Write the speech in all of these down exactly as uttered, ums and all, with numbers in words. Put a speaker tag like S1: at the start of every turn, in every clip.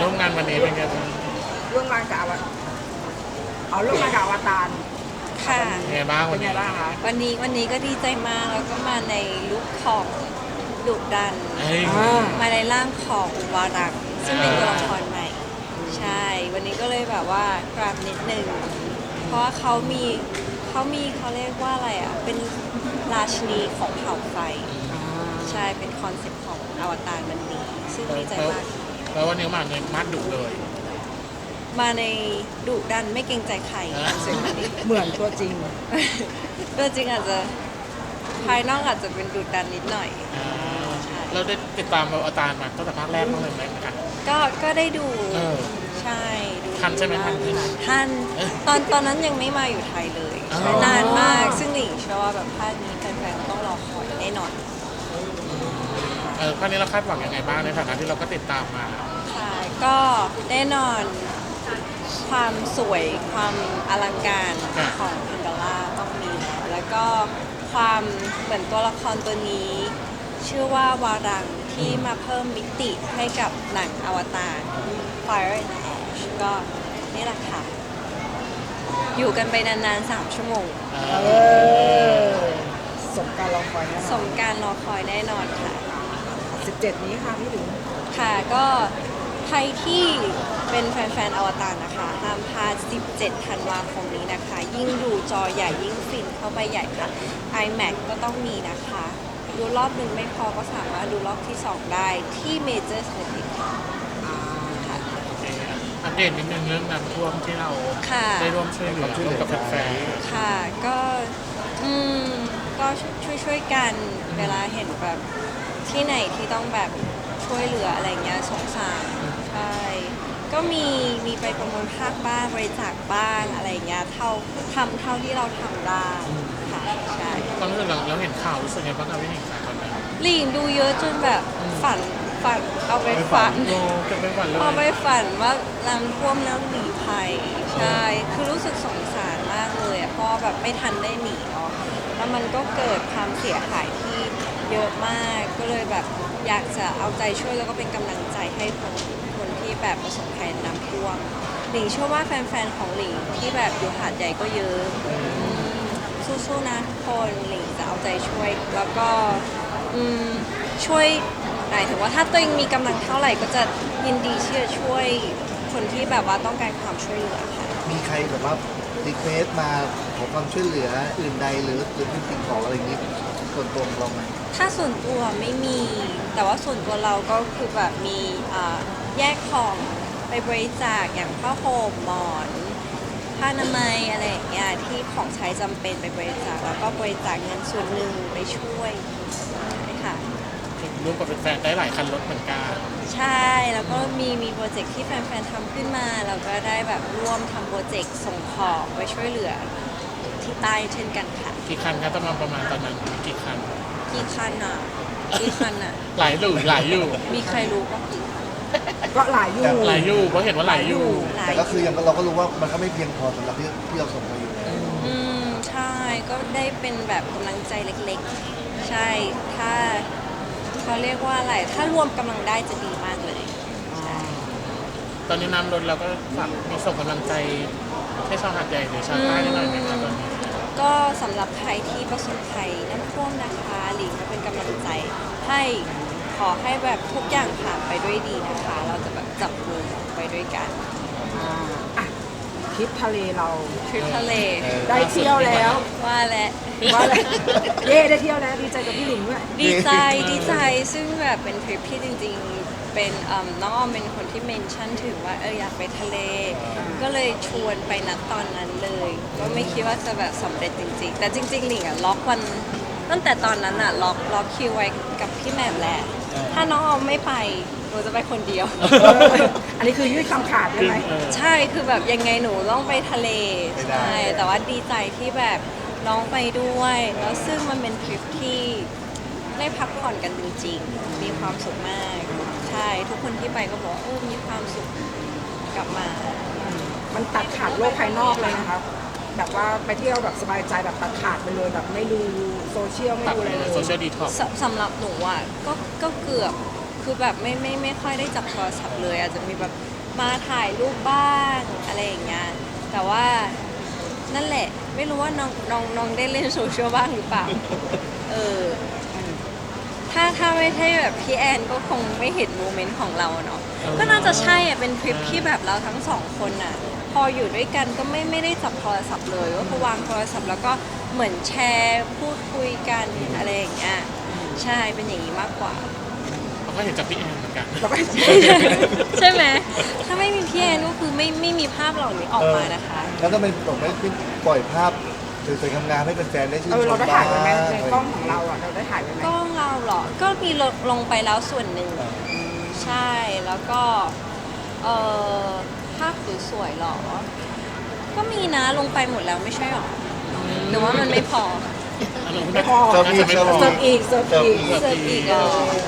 S1: ร่วมงานวันนี้เป็นไงบ้าง
S2: ร่วมงานกับอวเอาร่วมงานกับอวตาร
S3: ค่ะ
S1: เป็นไงบ้าง
S2: เป็
S1: วัน น
S2: ไง
S1: นี้
S2: บ้างคะ
S3: วันนี้วันนี้ก็ดีใจมากแล้วก็มาในลุคของดุดัน
S1: เฮ้ย
S3: มาในร่างของวารักษ์ซึ่งเป็นตัวละครใหม่ ใช่ วันนี้ก็เลยแบบว่ากราบนิดนึงเพราะว่าเขามีเขามีเขาเรียกว่าอะไรอ่ะ เป็นราชินีของเผ่าไฟ ใช่ เป็นคอนเซ็ปต์ของอวตารวันนี้ ซึ่งดีใจมาก
S1: แล้ววันนี้มาในมัดดุเลย
S3: มาในดุดันไม่เกรงใจใครเสียงวันนี้
S2: เหมือนตัวจริง
S3: ตัวจริงอาจจะภายนอกอาจจะเป็นดุดันนิดหน่อย
S1: เราได้ติดตามเราอาจารย์มาตั้งแต่ภาคแรกบ้างเลยไหมกัน
S3: ก็ก็ได้ดู
S1: เออ
S3: ใช่ดู
S1: ทันใช่ไหมทันใช่ไหม
S3: ทัน
S1: เออ
S3: ตอนตอนนั้นยังไม่มาอยู่ไทยเลย
S1: อ๋อ
S3: ใช่นานมากซึ่งหลิงเชื่อว่าแบบภาคนี้แฟนๆต้องรอคอยแน่นอน
S1: เออครั้งนี้เราคาดหวังยังไงบ้างในฐานะที่เราก็ติดตามมา
S3: ค่ะก็แน่นอนความสวยความอลังการของอินดาล่าต้องมีแล้วแล้วก็ความเหมือนตัวละครตัวนี้ ชื่อว่าวารังที่มาเพิ่มมิติให้กับหนังอวตาร Fire and Ash ก็นี่แหละค่ะ อยู่กันไปนานๆ สามชั่วโมง
S2: เออสมการรอคอยแน่น
S3: ส
S2: อน
S3: มการรอคอยแน่นอนค่ะ
S2: สิบเจ็ดนี้ค่ะพี่หลิง
S3: ค่ะก็ใครที่เป็นแฟนๆ อวตารนะคะห้ามพลาด สิบเจ็ด ธันวาคมนี้นะคะ ยิ่งดูจอใหญ่ยิ่งฟินเข้าไปใหญ่ค่ะ IMAX ก็ต้องมีนะคะ ดูรอบหนึ่งไม่พอก็สามารถดูรอบที่ สอง ได้ที่ Major Cineplex ค่ะค่ะ
S1: โอเคอัปเดตนิดนึงเรื่องน้ำท่วมที่เรา
S3: ค่ะ
S1: ได้ร่วมช่วยเหลือร่วมกับแฟน
S3: ค่ะก็อืมก็ช่วยช่วยๆกันเวลาเห็นแบบที่ไหนที่ต้องแบบช่วยเหลืออะไรเงี้ยสงสารใช่ก็มีมีไปประมูลภาคบ้างบริจาคบ้างอะไรเงี้ยเท่าทำเท่าที่เราทำได้ค่ะใช่
S1: ๆตอนนี้เราเราเห็นข่าวรู้สึกไงบ้างครับพี่หนิงคะตอนนั้น
S3: หลีนดูเยอะจนแบบฝันฝันเอาไปฝัน
S1: โอ้เก็บไปฝันเล
S3: เอาไป
S1: ย
S3: ฝันว่าน้ำท่วมแล้วหนีภัยใช่คือรู้สึกสงสารมากเลยอะเพราะว่าแบบไม่ทันได้หนีเนาะแล้วมันก็เกิดความเสียหายที่เยอะมากก็เลยแบบอยากจะเอาใจช่วยแล้วก็เป็นกำลังใจให้คนคนที่แบบประสบภัยน้ำท่วมหลิงเชื่อว่าแฟนๆของหลิงที่แบบอยู่หาดใหญ่ก็เยอะอืมสู้ๆนะทุกคนหลิงจะเอาใจช่วย แล้วก็อืมช่วยหมายถึงว่าถ้าตัวเองมีกำลังเท่าไหร่ก็จะยินดีที่จะช่วยคนที่แบบว่าต้องการความช่วยเหลือค่ะ
S4: มีใครแบบว่ารีเควสมาขอความช่วยเหลืออื่นใดหรือหรือเป็นสิ่งของอะไรอย่างนี้ส่วนตัวของเราไหม
S3: ถ้าส่วนตัวไม่มี แต่ว่าส่วนตัวเราก็คือแบบมีอ่าแยกของไปบริจาคอย่างผ้าห่มหมอนผ้าอนามัยอะไรอย่างเงี้ยที่ของใช้จำเป็นไปบริจาคแล้วก็บริจาคเงินส่วนหนึ่งไปช่วยใช่ค่ะ
S1: ร่วมกับแฟนๆได้หลายคันรถเหมือนกัน
S3: ใช่แล้วก็มีมีโปรเจกต์ที่แฟนๆทำขึ้นมาเราก็ได้แบบร่วมทำโปรเจกต์ส่งของไปช่วยเหลือที่ใต้เช่นกันค่ะ
S1: กี่คันครับประมาณประมาณตอนนั้นกี่คัน
S3: กี่คันอ่ะกี่คันอ่ะ
S1: หลายอยู่หลายอยู่
S3: มีใครรู้บ้างกี่คัน
S2: ก็หลายอยู่
S1: หลายอยู่เพราะเห็นว่าหลายอยู่
S3: หลาย
S4: แต่ก็คือยังเราก็รู้ว่ามันก็ไม่เพียงพอสำหรับที่ที่เราส่งมาอยู่แล้ว
S3: อืมใช่ก็ได้เป็นแบบกำลังใจเล็กๆ ใช่ถ้าเขาเรียกว่าอะไร ถ้ารวมกำลังได้จะดีมากเลยใช่
S1: ตอนนี้น้ำลดเราก็ฝากมีส่งกำลังใจให้ชาวหาดใหญ่หรือชาวใต้ได้หน่อยไหมครับตอนนี้
S3: ก็สำหรับใครที่ประสบภัยน้ำท่วมนะคะหลิงก็เป็นกำลังใจให้ขอให้แบบทุกอย่างผ่านไปด้วยดีนะคะ เราจะแบบจับมือไปด้วยกัน
S2: อ่าอ่ะทริปทะเลเรา
S3: ทริปทะเล
S2: ได้เที่ยวแล้ว
S3: ว่าแล้ว
S2: ว่าอะไรเย่ได้เที่ยวแล้วดีใจกับพี่หลิงด้วย
S3: ดีใจดีใจซึ่งแบบเป็นทริปที่จริงๆ เป็นเอิ่มน้องออมเป็นคนที่เมนชั่นถึงว่าเอออยากไปทะเล ก็เลยชวนไปนัดตอนนั้นเลย ก็ไม่คิดว่าจะแบบสำเร็จจริงๆ แต่จริงๆหลิงอะล็อกวันตั้งแต่ตอนนั้นอะล็อกล็อกคิวไว้กับพี่แหม่มแหละ ถ้าน้องออมไม่ไปหนูจะไปคนเดียว
S2: อันนี้คือยืดคำขาดใช่ไหม
S3: ใช่คือแบบยังไงหนูต้องไปทะเล
S4: ไม่ได้
S3: ใช่แต่ว่าดีใจที่แบบน้องไปด้วย แล้วซึ่งมันเป็นทริปที่ได้พักผ่อนกันจริงๆ มีความสุขมาก ใช่ทุกคนที่ไปก็บอกว่าเออมีความสุขกลับมา
S2: มันตัดขาดโลกภายนอกเลยนะคะแบบว่าไปเที่ยวแบบสบายใจแบบตัดขาดไปเลยแบบไม่ดูโซเชียลไม่
S1: ตัด
S2: ดูอะไรเลย
S1: โซเชียลดีท็อก
S3: สสำหรับหนูอ่ะก็ก็เกือบคือแบบไม่ไม่ไม่ค่อยได้จับโทรศัพท์เลย อาจจะมีแบบมาถ่ายรูปบ้างอะไรอย่างเงี้ยแต่ว่านั่นแหละไม่รู้ว่าน้องน้องน้องได้เล่นโซเชียลบ้างหรือเปล่าเออถ้าถ้าไม่ใช่แบบพี่แอนก็คงไม่เห็นโมเมนต์ของเราเนาะก็น่าจะใช่อะเป็นทริปที่แบบเราทั้งสองคนอ่ะพออยู่ด้วยกันก็ไม่ไม่ได้จับโทรศัพท์เลยก็คือวางโทรศัพท์แล้วก็เหมือนแชร์พูดคุยกันอะไรอย่างเงี้ยใช่เป็นอย่างนี้มากกว่า
S1: เราก็เห็นจากพี่แอนเหมือนกัน
S2: แล้วก็
S3: ใช่ไหมถ้าไม่มีพี่แอนก็คือไม่ไม่มีภาพเหล่านี้ออกมานะคะ
S4: แล้วก็เป็นผมไม่ขึ้นปล่อยภาพสวยๆงามๆให้แฟนๆได้ชื่น
S2: เออ
S4: ช
S2: เรา
S4: ม
S2: ได้
S4: บ้า
S2: ถ่ายไว้ไหม
S4: ง
S2: ในกล้องของเราอ่ะเราได้ถ่ายไว้ไหม
S3: กล้องเราเหรอ ก็มีลงลงไปแล้วส่วนหนึ่ง ใช่ แล้วก็ เอ่อ ภาพสวยๆเหรอ ก็มีนะ ลงไปหมดแล้วไม่ใช่หรอ หรือว่ามันไม่พอ
S1: อารมณ์
S2: ไม่พอ
S4: เสิร์ฟอีก
S1: ไม่
S4: เสิร์ฟ
S1: พอ
S2: เสิร์ฟอีกเสิร์ฟอีก
S3: เสิร์ฟอีกเหรอ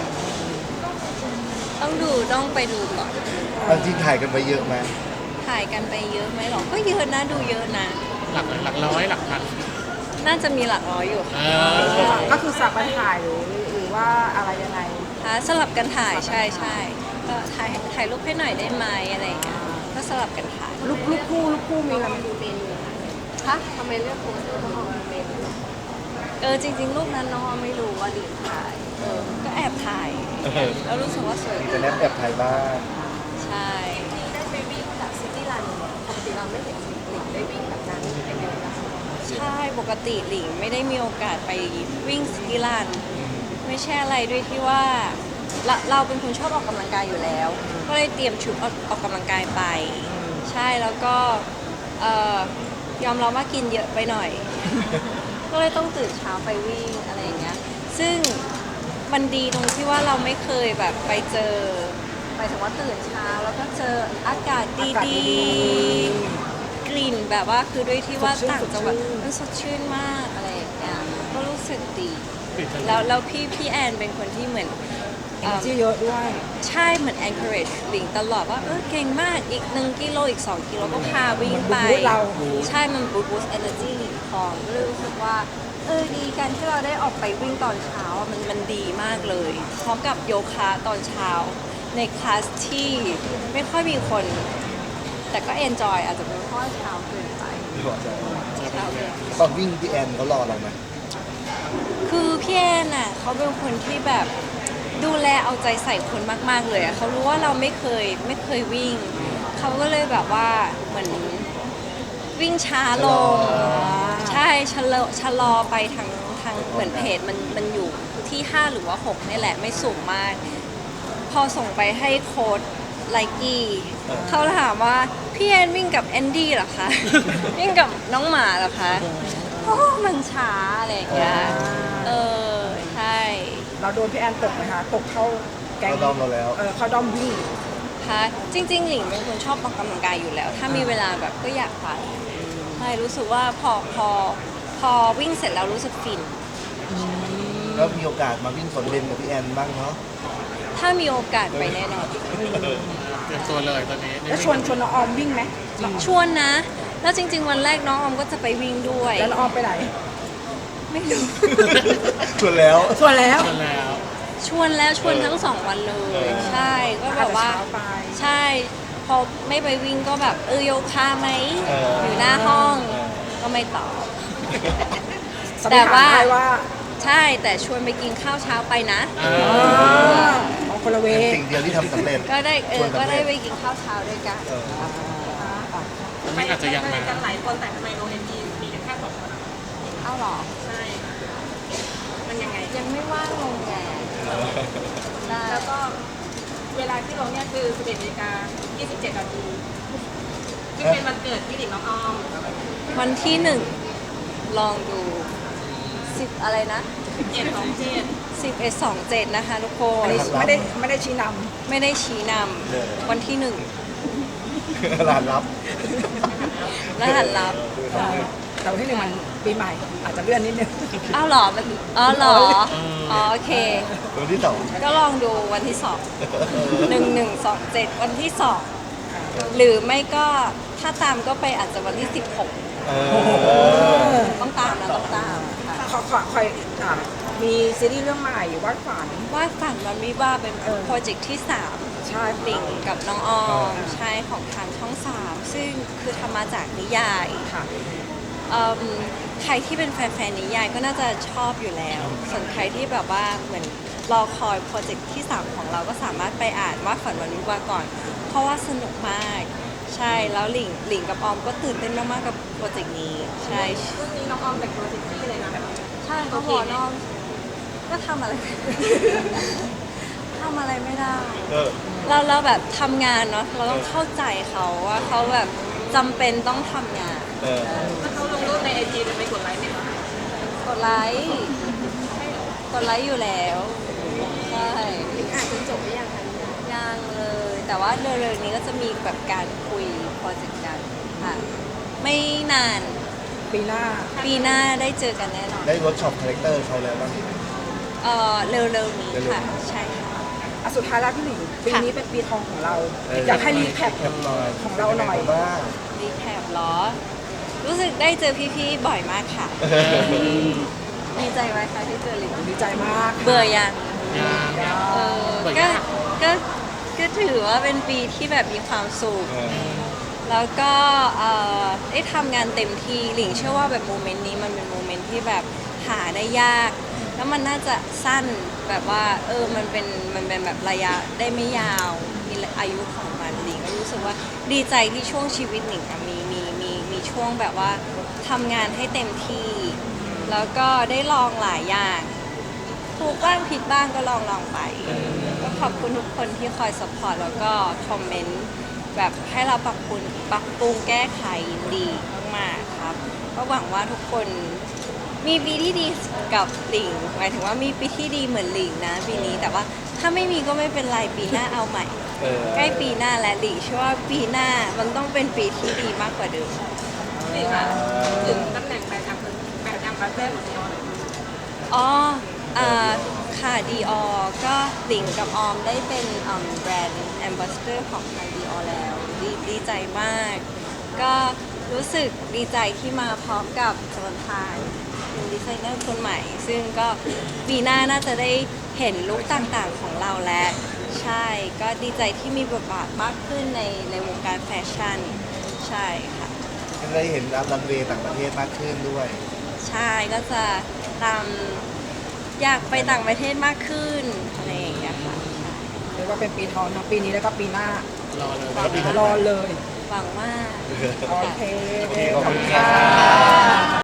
S3: ต้องดูต้องไปดูก่อน
S4: บางทีถ่ายกันไปเยอะไหม
S3: ถ่ายกันไปเยอะไหมหรอ ก็เยอะนะ ดูเยอะนะ
S1: หลักหลักร้อยหลักพัน
S3: น่าจะมีหลักร้อยอยู่
S1: เอ
S3: ค่ะ
S1: อ
S2: ก็คือสับไปถ่ายหรือหรือว่าอะไรยังไง
S3: ฮะสลับกันถ่ายใช่ใช่ก็ถ่ายถ่ายรูปให้หน่อยได้ไหมอะไรอย่างเงี้ยก็สลับกันถ่าย
S2: ลูกลูกคู่ลูกคู่มีอะไรไหม
S3: คะทำไมเลือกโพสต์น้องออมเมนเออจริงๆรูปนั้นน้องออมไม่รู้ว่าหลิงถ่ายเออก็แอบถ่ายแล้วรู้สึกว่าสวย
S4: มี
S3: ดี
S4: แต่แนบแอบถ่ายบ้าง
S3: ใช่ได้ไปวิ่งแบบซิตี้รันปกติเราไม่เห็นหลิงได้วิ่งแบบนั้นเป็นไงบ้างใช่ปกติหลิงไม่ได้มีโอกาสไปวิ่งซิตี้รันไม่ใช่อะไรด้วยที่ว่าเราเราเป็นคนชอบออกกำลังกายอยู่แล้ว ก็เลยเตรียมชุดออกออกกำลังกายไป ใช่แล้วก็เอ่อยอมรับว่ากินเยอะไปหน่อย ก็เลยต้องตื่นเช้าไปวิ่งอะไรอย่างเงี้ยซึ่งมันดีตรงที่ว่าเราไม่เคยแบบไปเจอหมายถึงว่าตื่นเช้าแล้วก็เจออากาศ
S2: อากาศ
S3: ดี
S2: ดี
S3: ๆ กลิ่นแบบว่าคือด้วยที่ว่า
S2: สดชื่น
S3: ต่างจังหวัด
S2: สดชื่น
S3: มันสดชื่นมากอะไรอย่างเงี้ยก็รู้สึกดี
S1: ปิดทะเล
S3: แล้วแล้วพี่พี่แอนเป็นคนที่เหมือน
S2: เอเนจีเยอะด้วย
S3: ใช่เหมือน encourage หลิงตลอดว่าเออเก่งมากอีกหนึ่งกิโลอีกสองกิโลก็พาวิ่งไป
S2: มันบูสต์เรา
S3: ใช่ มันบูสต์ energy หลิงทองก็เลยรู้สึกว่าเออดีการที่เราได้ออกไปวิ่งตอนเช้าอะมันมันดีมากเลย พร้อมกับโยคะตอนเช้า ในคลาสที่ไม่ค่อยมีคน แต่ก็ enjoy อาจจะเป็นเพราะว่าเช้าเกินไปเช้าเกิน
S4: ตอนวิ่งพี่แอนเขารอเราไหม
S3: คือพี่แอนน่ะเขาเป็นคนที่แบบดูแลเอาใจใส่คนมากๆเลยอะเขารู้ว่าเราไม่เคยไม่เคยวิ่ง เขาก็เลยแบบว่าเหมือนวิ่งช้าลง ใช่ชะลอชะลอไปทางทางเหมือนเพจมันมันอยู่ที่ห้าหรือว่าหกนี่แหละไม่สูงมาก พอส่งไปให้โค้ดไลกี้เขาถามว่าพี่แอนวิ่งกับแอนดี้เหรอคะ วิ่งกับน้องหมาเหรอคะโอ้มันช้าอะไรอย่างเงี้ยเออใช่
S2: เราโดนพี่แอนตกไหมคะ ตกเข้าแกง
S4: เขาดอมเราแล้ว
S2: เออเข้าดอมวิ่ง
S3: ค่ะจริงๆหลิงเป็นคนชอบออกกำลังกายอยู่แล้ว ถ้ามีเวลาแบบก็อยากไปใช่รู้สึกว่าพอพอพอวิ่งเสร็จแล้วรู้สึกฟิน
S4: แล้วมีโอกาสมาวิ่งสวนเบนกับพี่แอนบ้างเนาะ
S3: ถ้ามีโอกาสไปแน่นอน
S1: เตรียมตัวเลยตอนนี้
S2: แล้วชวนชวนน้องออมวิ่งไหม
S3: ชวนนะ แล้วจริง ๆ วันแรกน้องออมก็จะไปวิ่งด้วย
S2: แล้วน้องออมไปไหน
S3: ไม่รู้
S4: ชวนแล้ว
S2: ชวนแล้ว
S1: ชวนแล้ว
S3: ชวนแล้วชวนทั้งสองวันเลย ใช่ก็แบบว่า
S2: อาจจะเช้าไป
S3: ใช่ พอไม่ไปวิ่งก็แบบเออโยคะไหม
S4: เออ
S3: อ
S4: อ
S3: ยู่หน้าห้อง
S4: เออ
S3: ก็ไม่ตอบ
S2: สัน
S3: แต่
S2: นิษฐาน
S3: ว่า
S2: ได้ว่า
S3: ใช่แต่ชวนไปกินข้าวเช้าไปนะ
S1: อ่า
S2: อ่าของคนละเว
S4: เป็น
S2: ย์
S4: สิ่งเดียวที่ทำสำเร็จ
S3: ก็ได้เอ
S4: ชว
S3: อน
S4: สำ
S3: ก็
S4: เร็จ
S3: ได้ไปกินข้าวเช้าด้วยกัน
S4: เออ
S1: ไม่อาจจะยังมา
S5: กันหลายคนแต่ทำไมโรงเรียนดีมีกันแค่สองคน
S3: เอาเหรอ
S5: ใช่ มันยังไง
S3: ยังไม่ว่างลงแกได้
S5: แล้วก็เวลาที่ลงเนี่ยคือสิบเอ็ดนาฬิกายี่สิบเจ็ดนาทีซึ่งเป็นวันเกิดพี่หลิงน้องออม
S3: วันที่หนึ่งลองดูสิบอะไรนะ
S5: สิบเอ็ดสองเจ็ด
S3: สิบเอ็ดสองเจ็ดนะคะทุกค
S2: อั
S3: น
S2: นนี้ไม่ได้ไม่ได้ชี้น
S3: ไม่ได้ชี้น
S4: เออ
S3: ำวันที่หนึ่ง
S4: ร้านรับ
S3: รหัสลับ
S2: ำแต่วันที่หนึ่งมันปีใหม่ อาจจะเลื่อนนิดนึง
S3: อ้าวเหรอมันอ๋อเหรออ๋อโอเค
S4: วันที่สอง
S3: ก็ลองดูวันที่สองหนึ่งหนึ่งสองเจ็ดวันที่สองหรือไม่ก็ถ้าตามก็ไปอาจจะวันที่สิบหก
S4: เออ
S3: ต้องตามนะต้องตามค่ะ
S2: ขอขอคอยอ่ามีซีรีส์เรื่องใหม่วาดฝัน
S3: วาดฝันมันวิว่าเป็น
S2: เออ
S3: โปรเจกต์ที่สาม
S2: ใใช่ค่ะ
S3: หลิงกับน้องออมใช่ของทางช่องสามซึ่งคือทำมาจากนิยาย
S2: ค่ะ
S3: เอิ่มใครที่เป็นแฟนๆนิยายก็น่าจะชอบอยู่แล้ว ส่วนใครที่แบบว่าเหมือนรอคอยโปรเจกต์ที่สามของเราก็สามารถไปอ่านว่าฝันวันวิวาห์ก่อน เพราะว่าสนุกมาก ใช่แล้วหลิงหลิงกับออมก็ตื่นเต้นมากๆกับโปรเจกต์นี้ใช่
S5: เรื่องนี้น้องออมแต่งตัวเซ็กซี่เลยนะแบบ
S3: ใช่เขาบอกน้องก็ทำอะไร ทำอะไรไม่ได้
S4: เออ
S3: เราเราแบบทำงานเนาะเราต้องเข้าใจเขาว่าเขาแบบจำเป็นต้องทำงาน
S4: เออ
S5: ถ้าเขาลงรูปในไอจีจะไปกดไลค์ไหมคะ
S3: กดไลค์กดไลค์อยู่แล้วใช่
S5: อ่านจนจบหรือยังคะ
S3: ยังเลย แต่ว่าเร็วๆนี้ก็จะมีแบบการคุยโปรเจกต์กันค่ะ ไม่นาน
S2: ปีหน้า
S3: ปีหน้าได้เจอกันแน่นอน
S4: ได้เวิร์กช็อปคาแรคเตอร์เขาแล้วบ้างไหม
S3: เออเร็วๆนี้ค่ะ ใช่ค่ะ
S2: อ่ะสุดท้ายแล้วพี่หลิงปีนี้เป็นปีทองของเรา
S4: เออ
S2: อ
S4: อ
S2: ยากให้รีแคป
S4: แคปหน่อย
S2: ของเราหน่อย
S4: ป็งไงบ้าง
S3: รีแคปเหรอ รู้สึกได้เจอพี่ๆบ่อยมากค่ะ ดีใจไหมคะที่เจอหลิง
S2: ดีใจมาก
S3: เบื่อยัง
S1: ยา
S3: เออ
S1: เบื่อ
S3: ก็
S1: ยาก
S3: ก็ก็ถือว่าเป็นปีที่แบบมีความสุข
S4: เออ
S3: แล้วก็เอ่อได้ทำงานเต็มที่หลิงเชื่อว่าแบบโมเมนต์นี้มันเป็นโมเมนต์ที่แบบหาได้ยาก แล้วมันน่าจะสั้นแบบว่าเออมันเป็นมันเป็นแบบระยะได้ไม่ยาวมีอายุของมันหลิงก็รู้สึกว่าดีใจที่ช่วงชีวิตหลิงอะมีมีมีมีช่วงแบบว่าทำงานให้เต็มที่ แล้วก็ได้ลองหลายอย่างถูกบ้างผิดบ้างก็ลองลองไป ก็ขอบคุณทุกคนที่คอยสปอร์ตแล้วก็คอมเมนต์แบบให้เราปรับปรุงปรับปรุงแก้ไขดีมากๆครับ ก็หวังว่าทุกคนมีปีที่ดีกับหลิงหมายถึงว่ามีปีที่ดีเหมือนหลิงนะปีนี้แต่ว่าถ้าไม่มีก็ไม่เป็นไรปีหน้าเอาใหม่
S4: เออ
S3: ใกล้ปีหน้าและหลิงเชื่อว่าปีหน้ามันต้องเป็นปีที่ดีมากกว่าเดิม
S5: นี่ค่ะถึงตำแหน่งแบรนด์แอมเบอร์แบรนด์แอมบาสเดอร์ของเราหน่อย
S3: อ๋ออ่าค่ะดีออก็หลิงกับออมได้เป็นอืมแบรนด์แอมบาสเดอร์ของทางดีออแล้วดีดีใจมาก ก็รู้สึกดีใจที่มาพร้อมกับจอห์นพานเป็นดีไซเนอร์คนใหม่ ซึ่งก็ปีหน้าน่าจะได้เห็นลุคต่างๆของเราแล้ว ใช่ ก็ดีใจที่มีบทบาทมากขึ้นในในวงการแฟชั่น ใช่ค่ะ
S4: ยังได้เห็นรับรันเวย์ต่างประเทศมากขึ้นด้วย
S3: ใช่ก็จะตามอยากไปต่างประเทศมากขึ้นอะไรอย่างเงี้ยค่ะ
S2: เรียกว่าเป็นปีทองทั้งปีนี้แล้วก็ปีหน้าร
S1: อเลย
S2: รอเลย
S3: หวังว่า
S2: โอเค
S4: โอเคขอบคุณ
S2: ค่ะ
S4: ค่ะ